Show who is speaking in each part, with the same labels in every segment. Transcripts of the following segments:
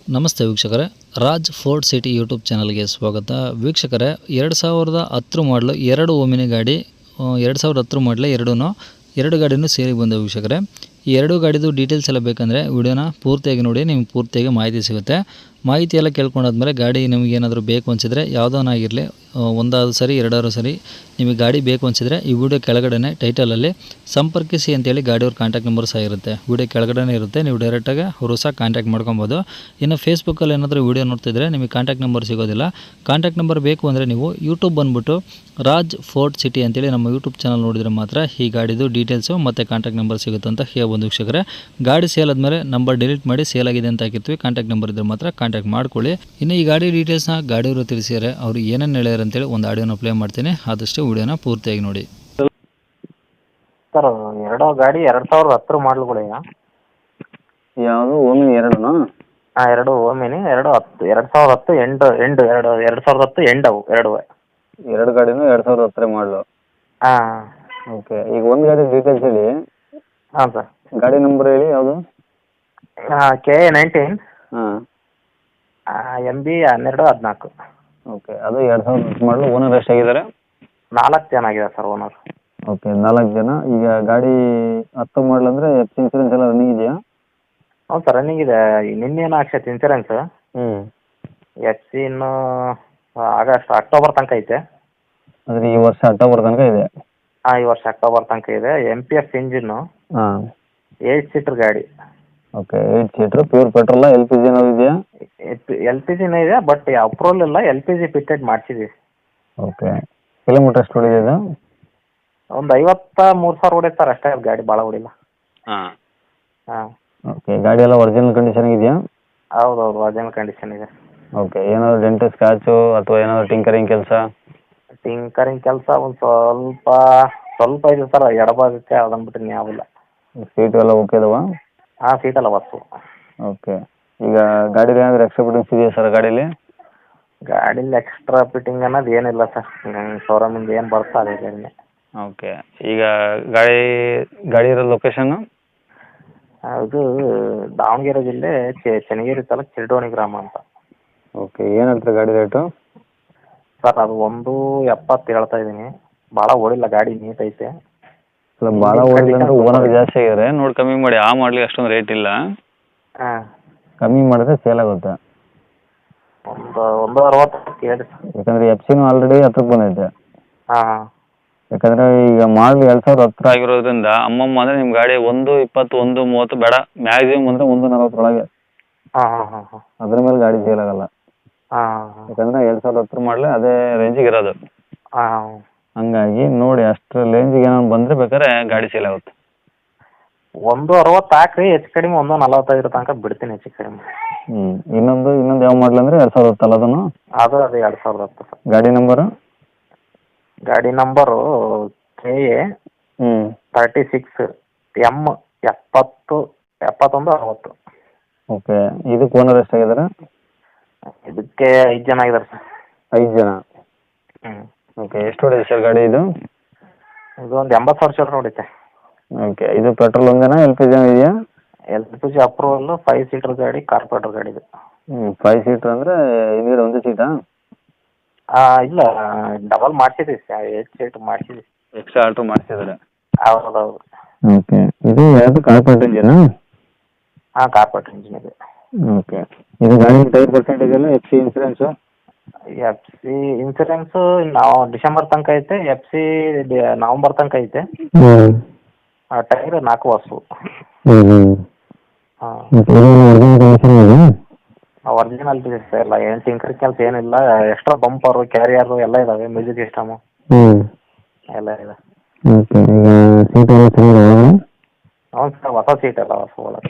Speaker 1: ನಮಸ್ತೆ ವೀಕ್ಷಕರೇ, Raj fort city YouTube ಚಾನಲ್ಗೆ ಸ್ವಾಗತ. ವೀಕ್ಷಕರೇ, 2010 ಮಾಡಲು 2 ಓಮಿನಿ ಗಾಡಿ, 2010 ಮಾಡಲೇ ಎರಡು ಗಾಡಿನೂ ಸೇರಿ ಬಂದವು ವೀಕ್ಷಕರೇ. ಈ ಎರಡು ಗಾಡಿದು ಡೀಟೇಲ್ಸ್ ಎಲ್ಲ ಬೇಕಂದರೆ ವಿಡಿಯೋನ ಪೂರ್ತಿಯಾಗಿ ನೋಡಿ, ನಿಮ್ಗೆ ಪೂರ್ತಿಯಾಗಿ ಮಾಹಿತಿ ಸಿಗುತ್ತೆ. ಮಾಹಿತಿ ಎಲ್ಲ ಕೇಳ್ಕೊಂಡಾದ್ಮೇಲೆ ಗಾಡಿ ನಿಮಗೆ ಏನಾದರೂ ಬೇಕು ಅನಿಸಿದರೆ ಯಾವುದನ್ನಾಗಿರಲಿ, ಒಂದಾದರೂ ಸರಿ ಎರಡಾದರೂ ಸರಿ, ನಿಮಗೆ ಗಾಡಿ ಬೇಕು ಅನಿಸಿದರೆ ಈ ವಿಡಿಯೋ ಕೆಳಗಡೆ ಟೈಟಲಲ್ಲಿ ಸಂಪರ್ಕಿಸಿ ಅಂತೇಳಿ ಗಾಡಿಯವ್ರ ಕಾಂಟ್ಯಾಕ್ಟ್ ನಂಬರ್ ಸಹ ಇರುತ್ತೆ. ವಿಡಿಯೋ ಕೆಳಗಡೆ ಇರುತ್ತೆ, ನೀವು ಡೈರೆಕ್ಟಾಗಿ ಅವರು ಸಹ ಕಾಂಟ್ಯಾಕ್ಟ್ ಮಾಡ್ಕೊಬೋದು. ಇನ್ನು ಫೇಸ್ಬುಕ್ಕಲ್ಲಿ ಏನಾದರೂ ವಿಡಿಯೋ ನೋಡ್ತಿದ್ರೆ ನಿಮಗೆ ಕಾಂಟ್ಯಾಕ್ಟ್ ನಂಬರ್ ಸಿಗೋದಿಲ್ಲ. ಕಾಂಟ್ಯಾಕ್ಟ್ ನಂಬರ್ ಬೇಕು ಅಂದರೆ ನೀವು ಯೂಟ್ಯೂಬ್ ಬಂದುಬಿಟ್ಟು ರಾಜ್ ಫೋರ್ಟ್ ಸಿಟಿ ಅಂತೇಳಿ ನಮ್ಮ ಯೂಟ್ಯೂಬ್ ಚಾನಲ್ ನೋಡಿದರೆ ಮಾತ್ರ ಈ ಗಾಡಿದು ಡೀಟೇಲ್ಸು ಮತ್ತು ಕಾಂಟ್ಯಾಕ್ಟ್ ನಂಬರ್ ಸಿಗುತ್ತೆ ಅಂತ ಹೇಳ್ಬೋದು ವೀಕ್ಷಕರೇ. ಗಾಡಿ ಸೇಲ್ ಆದಮೇಲೆ ನಂಬರ್ ಡಿಲೀಟ್ ಮಾಡಿ ಸೇಲ್ ಆಗಿದೆ ಅಂತ ಹಾಕಿರ್ತೀವಿ, ಕಾಂಟ್ಯಾಕ್ಟ್ ನಂಬರ್ ಇದ್ದರೆ ಮಾತ್ರ ಕಾಂಟ್ಯಾಕ್ಟ್ ಮಾಡ್ಕೊಳ್ಳಿ. ಇನ್ನು ಈ ಗಾಡಿ ಡೀಟೇಲ್ಸ್ನ ಗಾಡಿಯವರು ತಿಳಿಸಿದ್ದಾರೆ, ಅವರು ಏನೇನು ಹೇಳ್ಯಾರ ಅಂತೇಳಿ ಒಂದು ಆಡಿಯೋನ ಪ್ಲೇ ಮಾಡ್ತೀನಿ, ಆದಷ್ಟು ವಿಡಿಯೋನ ಪೂರ್ತಿಯಾಗಿ ನೋಡಿ.
Speaker 2: ಸರ್, ಎರಡು ಗಾಡಿ 2010 ಮಾಡಲ್ಗಳಿಗ.
Speaker 3: ಯಾವುದು ಓಮಿನಿ ಎರಡೂನಾ?
Speaker 2: ಹಾಂ, ಎರಡು ಓಮಿನಿ, 2010 ಎಂಡ್ ಅವು ಎರಡೂ.
Speaker 3: ಎರಡು ಗಾಡಿನೂ 2010 ಮಾಡಲು.
Speaker 2: ಹಾಂ.
Speaker 3: ಓಕೆ, ಈಗ ಒಂದು ಗಾಡಿ ಡೀಟೇಲ್ಸ್ ಹೇಳಿ.
Speaker 2: ಹಾಂ ಸರ್.
Speaker 3: ಗಾಡಿ ನಂಬರ್ ಹೇಳಿ ಯಾವುದು?
Speaker 2: KA19
Speaker 3: ಹಾಂ.
Speaker 2: MB 1214.
Speaker 3: ಓಕೆ, ಅದು 2010 ಮಾಡಲು. ಓನರ್ ಎಷ್ಟಾಗಿದ್ದಾರೆ?
Speaker 2: 4 ಜನ ಆಗಿದೆ ಸರ್ ಓನರ್.
Speaker 3: ಓಕೆ, 4 ಜನ. ಈಗ ಗಾಡಿ 10 ಮಾಡಲ್ ಅಂದರೆ ಎಫ್ ಇನ್ಸೂರೆನ್ಸ್ ಎಲ್ಲ ರನ್ನಿಂಗ್ ಇದೆಯಾ?
Speaker 2: ಹೌದು ಸರ್, ರನ್ನಿಂಗ್ ಇದೆ. ನಿನ್ನೇನು ಹಾಕ್ಸೈತೆ ಇನ್ಸೂರೆನ್ಸ್.
Speaker 3: ಹ್ಞೂ.
Speaker 2: FC ಇನ್ನು ಅಕ್ಟೋಬರ್ ತನಕ ಐತೆ.
Speaker 3: ಅಂದರೆ ಈ ವರ್ಷ ಅಕ್ಟೋಬರ್ ತನಕ ಇದೆ?
Speaker 2: ಹಾಂ, ಈ ವರ್ಷ ಅಕ್ಟೋಬರ್ ತನಕ ಇದೆ. MPF engine.
Speaker 3: ಹಾಂ.
Speaker 2: 8 ಸೀಟರ್ ಗಾಡಿ.
Speaker 3: Okay, 8 seater. ಪ್ಯೂರ್ ಪೆಟ್ರೋಲ? LPG ಏನಾದ್ರು ಇದೆಯಾ?
Speaker 2: LPGನೇ ಇದೆ, ಬಟ್ ಅಪ್ರೂವಲ್ ಇಲ್ಲ. LPG ಫಿಟ್ಟೆಡ್ ಮಾಡಿಸಿದ್ದೀವಿ.
Speaker 3: ಓಕೆ, ಕಿಲೋಮೀಟರ್ ಎಷ್ಟು ಹೊಡಿದೆ ಇದು?
Speaker 2: ಒಂದು 53,000 ಹೊಡೆಯುತ್ತೆ ಸರ್, ಅಷ್ಟೇ. ಗಾಡಿ ಭಾಳ ಹೊಡಿಲ್ಲ.
Speaker 3: ಹಾಂ.
Speaker 2: ಹಾಂ.
Speaker 3: ಓಕೆ, ಗಾಡಿ ಎಲ್ಲ ಒರಿಜಿನಲ್ ಕಂಡೀಷನ್ ಇದೆಯಾ?
Speaker 2: ಹೌದೌದು, ಒರಿಜಿನಲ್ ಕಂಡೀಷನ್ ಇದೆ.
Speaker 3: ಓಕೆ, ಏನಾದರೂ ಡೆಂಟ್ ಸ್ಕ್ರಾಚು ಅಥವಾ ಏನಾದರೂ ಟಿಂಕರಿಂಗ್ ಕೆಲಸ?
Speaker 2: ಟಿಂಕರಿಂಗ್ ಕೆಲಸ ಒಂದು ಸ್ವಲ್ಪ ಇದೆ ಸರ್, ಎಡಭಾಗಕ್ಕೆ. ಅದನ್ನು ಬಿಟ್ಟರೆ ಯಾವಿಲ್ಲ.
Speaker 3: ಸೀಟು ಎಲ್ಲ ಓಕೆ ಇದಾವಾ?
Speaker 2: ಹಾಂ, ಸೀಟೆಲ್ಲ ವಸ್ತು.
Speaker 3: ಓಕೆ, ಈಗ ಗಾಡಿಲಿ ಏನಾದರೂ ಎಕ್ಸ್ಟ್ರಾ ಫಿಟ್ಟಿಂಗ್ಸ್ ಇದೆಯಾ ಸರ್ ಗಾಡೀಲಿ?
Speaker 2: ಗಾಡೀಲಿ ಎಕ್ಸ್ಟ್ರಾ ಫಿಟ್ಟಿಂಗ್ ಅನ್ನೋದು ಏನಿಲ್ಲ ಸರ್. ಶೋರೂಮಿಂದ ಏನು ಬರ್ತೋ ಅದೇ ಗಾಡಿನೇ.
Speaker 3: ಓಕೆ, ಈಗ ಗಾಡಿ ಇರೋ ಲೊಕೇಶನ್ನು?
Speaker 2: ಇದು ದಾವಣಗೆರೆ ಜಿಲ್ಲೆ ಚನ್ನಗಿರಿ ತಾಲೂಕು ಚಿರಡೋಣಿ ಗ್ರಾಮ ಅಂತ.
Speaker 3: ಓಕೆ, ಏನು ಹೇಳ್ತೀರಿ ಗಾಡಿ ರೇಟು?
Speaker 2: ಸರ್, ಅದು 170 ಹೇಳ್ತಾ ಇದ್ದೀನಿ. ಭಾಳ ಓಡಿಲ್ಲ, ಗಾಡಿ ನೀಟ್ ಐತೆ.
Speaker 3: ಅಲ್ಲ, ಭಾಳ ಓಡಿಲ್ಲ ಅಂದರೆ ಓನರ್ ಜಾಸ್ತಿ ಆಗಿದ್ದಾರೆ, ನೋಡಿ ಕಮ್ಮಿ ಮಾಡಿ. ಆ ಮಾಡಲಿಗೆ ಅಷ್ಟೊಂದು ರೇಟ್ ಇಲ್ಲ.
Speaker 2: ಹಾಂ,
Speaker 3: ಕಮ್ಮಿ ಮಾಡಿದ್ರೆ ಸೇಲ್ ಆಗುತ್ತೆ.
Speaker 2: ಒಂದು 60 ಕೇಳಿ.
Speaker 3: ಯಾಕಂದರೆ FC ಆಲ್ರೆಡಿ 10ಕ್ಕೆ ಬಂದೈತೆ.
Speaker 2: ಹಾಂ ಹಾಂ.
Speaker 3: ಯಾಕಂದರೆ ಈಗ ಮಾಡಲು 2010 ಆಗಿರೋದ್ರಿಂದ ಅಮ್ಮಮ್ಮ ಅಂದರೆ ನಿಮ್ಮ ಗಾಡಿ 120, 130 ಬೇಡ, ಮ್ಯಾಕ್ಸಿಮಮ್ ಅಂದರೆ 140 ಒಳಗೆ.
Speaker 2: ಹಾಂ ಹಾಂ ಹಾಂ ಹಾಂ.
Speaker 3: ಅದ್ರ ಮೇಲೆ ಗಾಡಿ ಸೇಲ್ ಆಗಲ್ಲ.
Speaker 2: ಹಾಂ ಹಾಂ.
Speaker 3: ಯಾಕಂದರೆ 2010 ಮಾಡಲೇ ಅದೇ ರೇಂಜಿಗೆ ಇರೋದು.
Speaker 2: ಹಾಂ.
Speaker 3: ಹಂಗಾಗಿ ನೋಡಿ, ಅಷ್ಟರ ರೇಂಜಿಗೆ ಏನಾದ್ರು ಬಂದರೆ ಬೇಕಾದ್ರೆ ಗಾಡಿ ಸೇಲ್ ಆಗುತ್ತೆ.
Speaker 2: 160 ಹಾಕ್ರಿ, ಹೆಚ್ಚು ಕಡಿಮೆ 145 ತನಕ ಬಿಡ್ತೀನಿ, ಹೆಚ್ಚು ಕಡಿಮೆ.
Speaker 3: ಇನ್ನೊಂದು ಯಾವ ಮಾಡಲ್ ಅಂದರೆ 2010 ಅಲ್ಲ ಅದನ್ನು?
Speaker 2: ಅದು 2010 ಸರ್.
Speaker 3: ಗಾಡಿ ನಂಬರು?
Speaker 2: ಗಾಡಿ ನಂಬರು KA 36 M 71 60.
Speaker 3: ಓಕೆ, ಇದಕ್ಕೆ ಓನರ್ ಎಷ್ಟಾಗಿದ್ದಾರೆ?
Speaker 2: ಇದಕ್ಕೆ 5 ಜನ ಆಗಿದ್ದಾರೆ ಸರ್.
Speaker 3: 5 ಜನ.
Speaker 2: ಹ್ಞೂ.
Speaker 3: ಓಕೆ, ಎಷ್ಟು ಹೊಡಿದೆ ಸರ್ ಗಾಡಿ ಇದು?
Speaker 2: ಇದು ಒಂದು 80,000 ಚಿಲ್ಲರೆ ಹೊಡಿತೆ.
Speaker 3: ಓಕೆ, ಇದು ಪೆಟ್ರೋಲ್ ಒಂದೇನಾ LPG ಇದೆಯಾ?
Speaker 2: LPG approval. 5 ಸೀಟರ್ ಗಾಡಿ, ಕಾರ್ಪೊರೇಟರ್ ಗಾಡಿ ಇದು.
Speaker 3: 5 ಸೀಟ್ರ್ ಅಂದರೆ ಹಿಂದ್ಗಡೆ ಒಂದೇ ಸೀಟಾ?
Speaker 2: ಇಲ್ಲ, ಡಬಲ್ ಮಾಡಿಸಿದ್ವಿ, 8 ಸೀಟ್ ಮಾಡಿಸಿದ್ವಿ.
Speaker 3: ಎಕ್ಸ್ಟ್ರಾ ಆಲ್ಟ್ರೋ ಮಾಡಿಸಿದ್ದಾರೆ?
Speaker 2: ಹೌದೌದು.
Speaker 3: ಓಕೆ, ಇದು ಯಾವುದು ಕಾರ್ಪೊರೇಟ್ ಇಂಜಿನಾ?
Speaker 2: ಹಾಂ, ಕಾರ್ಪೊರೇಟರ್ ಇಂಜಿನ್ ಇದೆ.
Speaker 3: ಓಕೆ, ಇದು ಗಾಡಿ ಟೈರ್ ಪರ್ಸೆಂಟೇಜ್ ಎಲ್ಲ FC ಇನ್ಸೂರೆನ್ಸು?
Speaker 2: FC ಇನ್ಸೂರೆನ್ಸು ನಾವು ಡಿಸೆಂಬರ್ ತನಕ ಐತೆ. FC ನವಂಬರ್ ತನಕ ಐತೆ. ಟೈರ್ 4 ವರ್ಷ. ಹಾಂ, ಒರಿಜಿನಲ್ ಪೀಸಸ್ ಎಲ್ಲ. ಏನು ಟಿಂಕರ್ ಕೆಲಸ ಏನಿಲ್ಲ. ಎಕ್ಸ್ಟ್ರಾ ಬಂಪರು, ಕ್ಯಾರಿಯರು ಎಲ್ಲ ಇದಾವೆ. ಮ್ಯೂಸಿಕ್ ಸಿಸ್ಟಮು ಎಲ್ಲ ಇದೆ. ಹೌದು ಸರ್, ಹೊಸ ಸೀಟ್ ಎಲ್ಲ ಹೊಸ ಒಳಗೆ.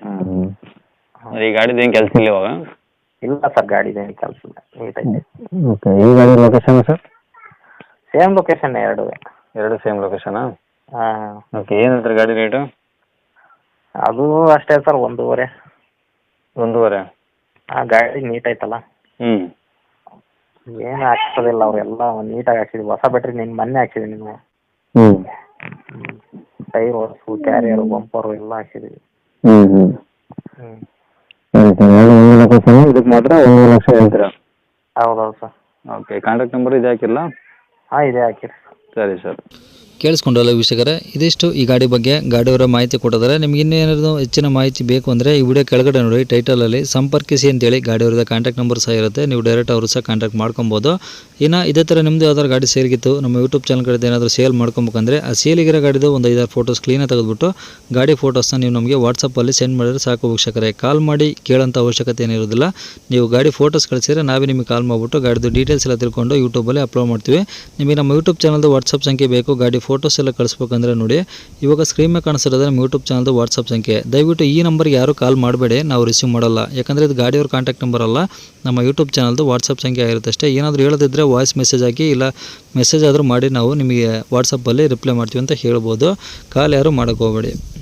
Speaker 3: ಈ ಗಾಡಿದು ಏನು ಕೆಲಸ ಇಲ್ಲ ಇವಾಗ?
Speaker 2: ಇಲ್ಲ ಸರ್, ಗಾಡಿದು ಏನು ಕೆಲಸ ಇಲ್ಲ, ನೀಟ್ ಐತೆ.
Speaker 3: ಓಕೆ, ಈ ಗಾಡಿ ಲೊಕೇಶನ್ ಸರ್?
Speaker 2: ಸೇಮ್ ಲೊಕೇಶನ್ ಎರಡು
Speaker 3: ಸೇಮ್ ಲೊಕೇಶನಾ?
Speaker 2: ಹಾಂ.
Speaker 3: ಓಕೆ, ಏನು ಹೇಳ್ತಾರೆ ಗಾಡಿ ರೇಟು?
Speaker 2: ಅದು ಅಷ್ಟೇ ಸರ್, 1.5.
Speaker 3: 1.5?
Speaker 2: ಹಾಂ, ಗಾಡಿ ನೀಟ್ ಐತಲ್ಲ. ಏನು ಹಾಕ್ಸೋದಿಲ್ಲ, ಅವರೆಲ್ಲ ನೀಟಾಗಿ ಹಾಕ್ಸಿದ್ವಿ. ಹೊಸ ಬ್ಯಾಟ್ರಿ ಮೊನ್ನೆ ಹಾಕ್ಸಿದ್ದೀನಿ ನೀವು. ಟೈರ್ ಹೊಸು, ಕ್ಯಾರಿಯರು, ಬಂಪರು ಎಲ್ಲ ಹಾಕ್ಸಿದ್ದೀವಿ. ಹ್ಞೂ.
Speaker 3: ಸರಿ ಸರ್ 1 ಲಕ್ಷ ಸರ್, ಇದಕ್ಕೆ ಮಾತ್ರ 1 ಲಕ್ಷ ಹೇಳ್ತೀರಾ?
Speaker 2: ಹೌದೌದು ಸರ್.
Speaker 3: ಓಕೆ, ಕಾಂಟ್ಯಾಕ್ಟ್ ನಂಬರ್ ಇದು ಹಾಕಿರಲ್ಲ?
Speaker 2: ಹಾಂ ಇದೆ ಹಾಕಿರಿ.
Speaker 3: ಸರಿ ಸರ್.
Speaker 1: ಕೇಳಿಸ್ಕೊಂಡಲ್ಲ ವೀಕ್ಷಕರೇ, ಇದಿಷ್ಟು ಈ ಗಾಡಿ ಬಗ್ಗೆ ಗಾಡಿಯವರ ಮಾಹಿತಿ ಕೊಟ್ಟಿದ್ದಾರೆ. ನಿಮ್ಗೆ ಇನ್ನೇನಾದ್ರು ಹೆಚ್ಚಿನ ಮಾಹಿತಿ ಬೇಕು ಅಂದರೆ ಈ ವಿಡಿಯೋ ಕೆಳಗಡೆ ನೋಡಿ ಟೈಟಲಲ್ಲಿ ಸಂಪರ್ಕಿಸಿ ಅಂತೇಳಿ ಗಾಡಿಯವ್ರದ್ದು ಕಾಂಟ್ಯಾಕ್ಟ್ ನಂಬರ್ ಸಹ ಇರುತ್ತೆ. ನೀವು ಡೈರೆಕ್ಟ್ ಅವರು ಸಹ ಕಾಂಟ್ಯಾಕ್ಟ್ ಮಾಡ್ಕೊಬೋದು. ಇನ್ನು ಇದೇ ಥರ ನಿಮ್ಮದು ಯಾವ್ದಾದ್ರು ಗಾಡಿ ಸೇಲ್ಗಿತ್ತು ನಮ್ಮ ಯೂಟ್ಯೂಬ್ ಚಾನಲ್ ಕಡೆ ಏನಾದರೂ ಸೇಲ್ ಮಾಡ್ಕೊಬೇಕಂದ್ರೆ ಆ ಸೇಲಿಗಿರೋ ಗಾಡಿದು ಒಂದು 5-6 ಫೋಟೋಸ್ ಕ್ಲೀನಾಗಿ ತೆಗೆದುಬಿಟ್ಟು ಗಾಡಿ ಫೋಟೋಸ್ನ ನೀವು ನಮಗೆ ವಾಟ್ಸಪ್ಪಲ್ಲಿ ಸೆಂಡ್ ಮಾಡಿದ್ರೆ ಸಾಕು ವೀಕ್ಷಕರೇ. ಕಾಲ್ ಮಾಡಿ ಕೇಳೋಂಥ ಅವಶ್ಯಕತೆ ಏನಿರೋದಿಲ್ಲ. ನೀವು ಗಾಡಿ ಫೋಟೋಸ್ ಕಳಿಸಿದ್ರೆ ನಾವೇ ನಿಮಗೆ ಕಾಲ್ ಮಾಡಿಬಿಟ್ಟು ಗಾಡಿದು ಡೀಟೇಲ್ಸ್ ಎಲ್ಲ ತಿಳ್ಕೊಂಡು ಯೂಟ್ಯೂಬಲ್ಲಿ ಅಪ್ಲೋಡ್ ಮಾಡ್ತೀವಿ. ನಿಮಗೆ ನಮ್ಮ ಯೂಟ್ಯೂಬ್ ಚಾನಲ್ದು ವಾಟ್ಸಪ್ ಸಂಖ್ಯೆ ಬೇಕು, ಗಾಡಿ ಫೋಟೋಸ್ ಎಲ್ಲ ಕಳಿಸ್ಬೇಕಂದ್ರೆ ನೋಡಿ ಇವಾಗ ಸ್ಕ್ರೀನ್ ಮೇಲೆ ಕಾಣಿಸ್ತಿರೋದು ನಮ್ಮ ಯೂಟ್ಯೂಬ್ ಚಾನಲ್ದು ವಾಟ್ಸಪ್ ಸಂಖ್ಯೆ. ದಯವಿಟ್ಟು ಈ ನಂಬರ್ಗೆ ಯಾರು ಕಾಲ್ ಮಾಡಬೇಡಿ, ನಾವು ರಿಸೀವ್ ಮಾಡಲ್ಲ. ಯಾಕಂದರೆ ಇದು ಗಾಡಿಯವ್ರ ಕಾಂಟ್ಯಾಕ್ಟ್ ನಂಬರ್ ಅಲ್ಲ, ನಮ್ಮ ಯೂಟ್ಯೂಬ್ ಚಾನಲ್ದು ವಾಟ್ಸಪ್ ಸಂಖ್ಯೆ ಆಗಿರುತ್ತೆ ಅಷ್ಟೇ. ಏನಾದರೂ ಹೇಳೋದಿದ್ದರೆ ವಾಯ್ಸ್ ಮೆಸೇಜ್ ಹಾಕಿ, ಇಲ್ಲ ಮೆಸೇಜ್ ಆದರೂ ಮಾಡಿ ನಾವು ನಿಮಗೆ ವಾಟ್ಸಪ್ಪಲ್ಲಿ ರಿಪ್ಲೈ ಮಾಡ್ತೀವಿ ಅಂತ ಹೇಳ್ಬೋದು. ಕಾಲ್ ಯಾರು ಮಾಡೋಕ್ಕೆ ಹೋಗಬೇಡಿ.